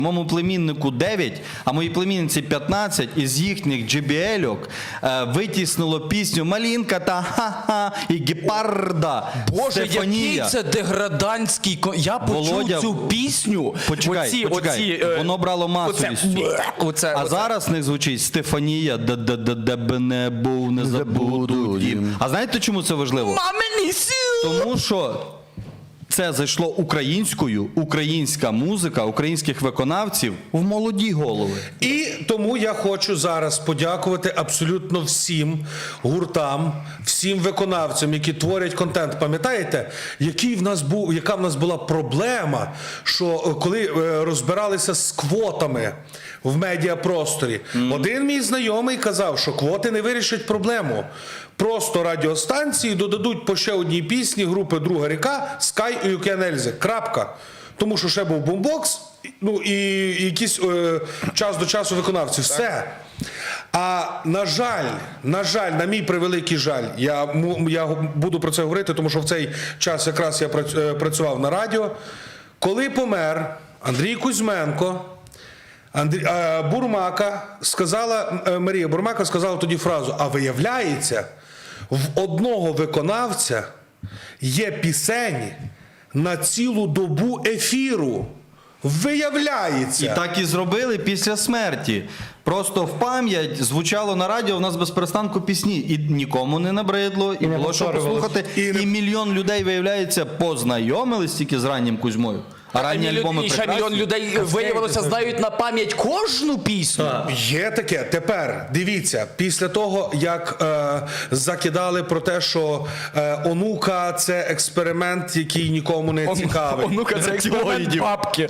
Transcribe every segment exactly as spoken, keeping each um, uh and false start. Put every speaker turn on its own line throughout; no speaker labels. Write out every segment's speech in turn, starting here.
Моєму племіннику дев'ять, а моїй племінниці п'ятнадцять, із їхніх джі бі ель-ок е, витіснило пісню «Малінка» та «Ха-ха» і «Гепарда».
Боже,
Стефанія.
який це деградантський... ко- Я почув
Володя,
цю пісню.
Почекай,
оці,
почекай.
Оці, е,
Воно брало масовість.
Оце, оце,
А
оце.
зараз в них звучить «Стефанія, де б не був, не забуду дім». А знаєте, чому це важливо?
Мамині сю!
Тому що це зайшло українською, українська музика, українських виконавців в молоді голови.
І тому я хочу зараз подякувати абсолютно всім гуртам, всім виконавцям, які творять контент. Пам'ятаєте, який в нас був, яка в нас була проблема, що коли е, розбиралися з квотами в медіапросторі, mm. один мій знайомий казав, що квоти не вирішать проблему. Просто радіостанції додадуть по ще одній пісні групи «Друга ріка», «Скай» і «Юкенельзи». Крапка. Тому що ще був бумбокс, ну і якийсь е, час до часу виконавці. Все. А на жаль, на жаль, на мій превеликий жаль, я, я буду про це говорити, тому що в цей час якраз я працював на радіо. Коли помер Андрій Кузьменко, Андрій, а, Бурмака сказала, Марія Бурмака сказала тоді фразу: а виявляється, в одного виконавця є пісень на цілу добу ефіру. Виявляється.
І так і зробили після смерті. Просто в пам'ять звучало на радіо в нас без перестанку пісні. І нікому не набридло, і, і було що послухати. І, і мільйон людей, виявляється, познайомились тільки з раннім Кузьмою. А ранні
мільйон,
альбоми
і ще
прекрасні.
мільйон людей, виявилося, знають на пам'ять кожну пісню.
Так. Є таке. Тепер, дивіться, після того, як е, закидали про те, що е, онука – це експеримент, який нікому не цікавий.
Онука – це експеримент бабки.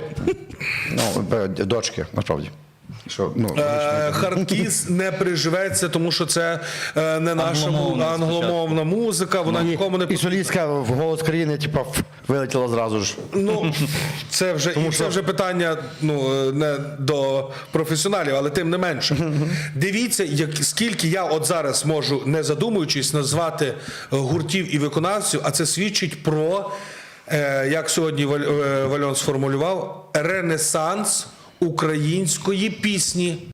Ну, дочки, насправді. Що, ну,
Е, Хардкіс не приживеться, тому що це е, не наша
Англомовна
англомовна музика, вона нікому не
і солістка в «Голос країни» типу, вилетіла зразу ж.
Ну, це вже, і це вже питання, ну, не до професіоналів, але тим не менше. Дивіться, як, скільки я от зараз можу, не задумуючись, назвати гуртів і виконавців, а це свідчить про, е, як сьогодні Вальон сформулював, ренесанс української пісні.